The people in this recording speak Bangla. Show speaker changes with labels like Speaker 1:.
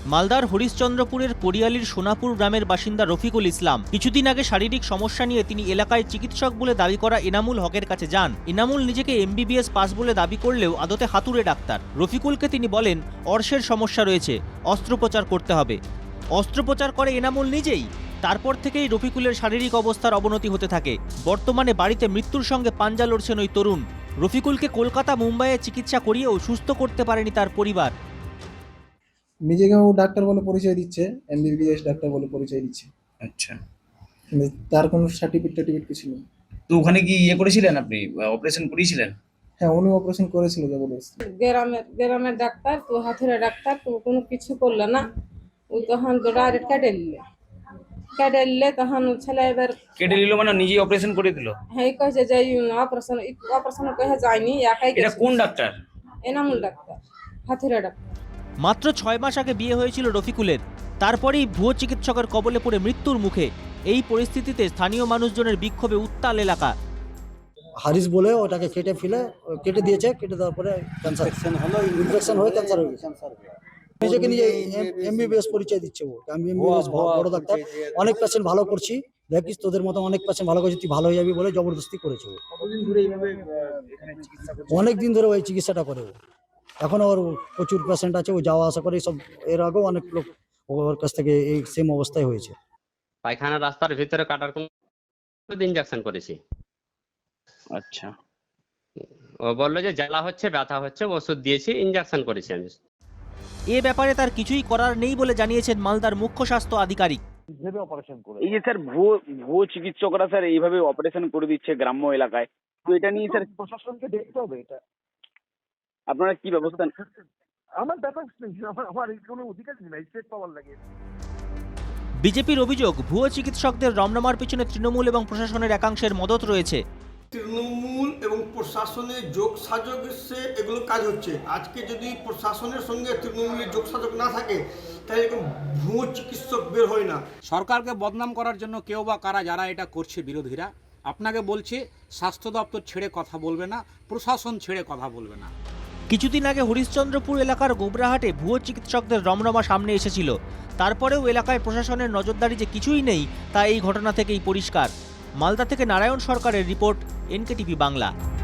Speaker 1: মালদার হরিশ্চন্দ্রপুরের কোরিয়ালির সোনাপুর গ্রামের বাসিন্দা রফিকুল ইসলাম কিছুদিন আগে শারীরিক সমস্যা নিয়ে তিনি এলাকায় চিকিৎসক বলে দাবি করা এনামুল হকের কাছে যান। এনামুল নিজেকে এমবিবিএস পাস বলে দাবি করলেও আদতে হাতুড়ে ডাক্তার। রফিকুলকে তিনি বলেন অর্শের সমস্যা রয়েছে, অস্ত্রোপচার করতে হবে। অস্ত্রোপচার করে এনামুল নিজেই। তারপর থেকেই রফিকুলের শারীরিক অবস্থার অবনতি হতে থাকে। বর্তমানে বাড়িতে মৃত্যুর সঙ্গে পাঞ্জা লড়ছেন ওই তরুণ। রফিকুলকে কলকাতা মুম্বাইয়ে চিকিৎসা করিয়েও সুস্থ করতে পারেনি তার পরিবার।
Speaker 2: নিজেকে ও ডাক্তার বলে পরিচয় দিচ্ছে, এমবিবিএস ডাক্তার বলে পরিচয় দিচ্ছে,
Speaker 3: আচ্ছা,
Speaker 2: কিন্তু তার কোনো সার্টিফিকেট কিছু নেই।
Speaker 3: তো ওখানে কি করেছিলেন, আপনি অপারেশন করিয়েছিলেন?
Speaker 2: হ্যাঁ, উনি অপারেশন করেছিল জবরদস্তি।
Speaker 4: গ্রামের ডাক্তার তো হাতুড়ে ডাক্তার তো কোনো কিছু করলো না। ওই তখন তো ডাইরেক্ট কেটে নিলে তখন ছেলে এবার
Speaker 3: কেটে নিল মানে নিজেই অপারেশন করে দিল?
Speaker 4: হ্যাঁ কয়েছে যে অপারেশন কয়ে যায়নি, একাই
Speaker 3: এটা কোন ডাক্তার?
Speaker 4: এনামুল ডাক্তার, হাতুড়ে ডাক্তার।
Speaker 1: মাত্র 6 মাস আগে বিয়ে হয়েছিল রফিকুলের। তারপরেই ভুয়ো চিকিৎসকের কবলে পড়ে মৃত্যুর মুখে। এই পরিস্থিতিতে স্থানীয় মানুষজনের বিক্ষোভে উত্তাল এলাকা।
Speaker 5: হারিস বলে ওটাকে কেটে দিয়েছে, কেটে দেওয়ার পরে ক্যান্সার ইনফেকশন হয়ে ক্যান্সার হয়ে গেছে। নিজেকে নিজে এমবিবিএস পরিচয় দিচ্ছে ও, আমি এমবিবিএস বড় ডাক্তার, অনেক পেশেন্ট ভালো করছি, দেখিস তোদের মতো অনেক পেশেন্ট ভালো করছি, তুই ভালো হয়ে যাবি বলে জবরদস্তি করেছে ও। অনেক দিন ধরে ওই চিকিৎসাটা করে ও। এখন ওর প্রচুর পেশেন্ট আছে, ও যাওয়া আসা করে সব। এর আগেও অনেক লোক ওর কাছ থেকে এই সেম অবস্থায় হয়েছে।
Speaker 6: পায়খানা রাস্তার ভিতরে কাটার কোন ইনজেকশন করেছি।
Speaker 3: আচ্ছা,
Speaker 6: ও বললো যে জ্বালা হচ্ছে, ব্যথা হচ্ছে, ওষুধ দিয়েছি, ইনজেকশন করেছি আমি।
Speaker 1: এ ব্যাপারে তার কিছুই করার নেই বলে জানিয়েছেন মালদার মুখ্য স্বাস্থ্য আধিকারিক।
Speaker 7: এই যে স্যার ভুয়ো চিকিৎসকরা স্যার এইভাবে অপারেশন করে দিচ্ছে গ্রাম্য এলাকায়, তো এটা নিয়ে স্যার
Speaker 8: প্রশাসনকে দেখতে হবে। এটা
Speaker 7: আপনারা কি ব্যবস্থা
Speaker 8: আমার ব্যাপার নেই, আমার কোনো অধিকার নেই স্টেট পাওয়ার লাগে।
Speaker 1: বিজেপির অভিযোগ ভুয়ো চিকিৎসকদের রমরমার পিছনে তৃণমূল এবং প্রশাসনের একাংশের মদত রয়েছে।
Speaker 9: তৃণমূল এবং প্রশাসনের যোগসাজশে এগুলো কাজ হচ্ছে। আজকে যদি প্রশাসনের সঙ্গে তৃণমূলের যোগসাজশ না থাকে তাহলে এরকম ভুয়ো চিকিৎসক বের হয় না।
Speaker 10: সরকারকে বদনাম করার জন্য কেউ বা কারা যারা এটা করছে বিরোধীরা, আপনাকে বলছে স্বাস্থ্য দপ্তর ছেড়ে কথা বলবে না, প্রশাসন ছেড়ে কথা বলবে না।
Speaker 1: কিছুদিন আগে হরিশ্চন্দ্রপুর এলাকার গোবরাহাটে ভুয়ো চিকিৎসকদের রমরমা সামনে এসেছিল। তারপরেও এলাকায় প্রশাসনের নজরদারি যে কিছুই নেই তা এই ঘটনা থেকেই পরিষ্কার। মালদা থেকে নারায়ণ সরকারের রিপোর্ট, এনকেটিভি বাংলা।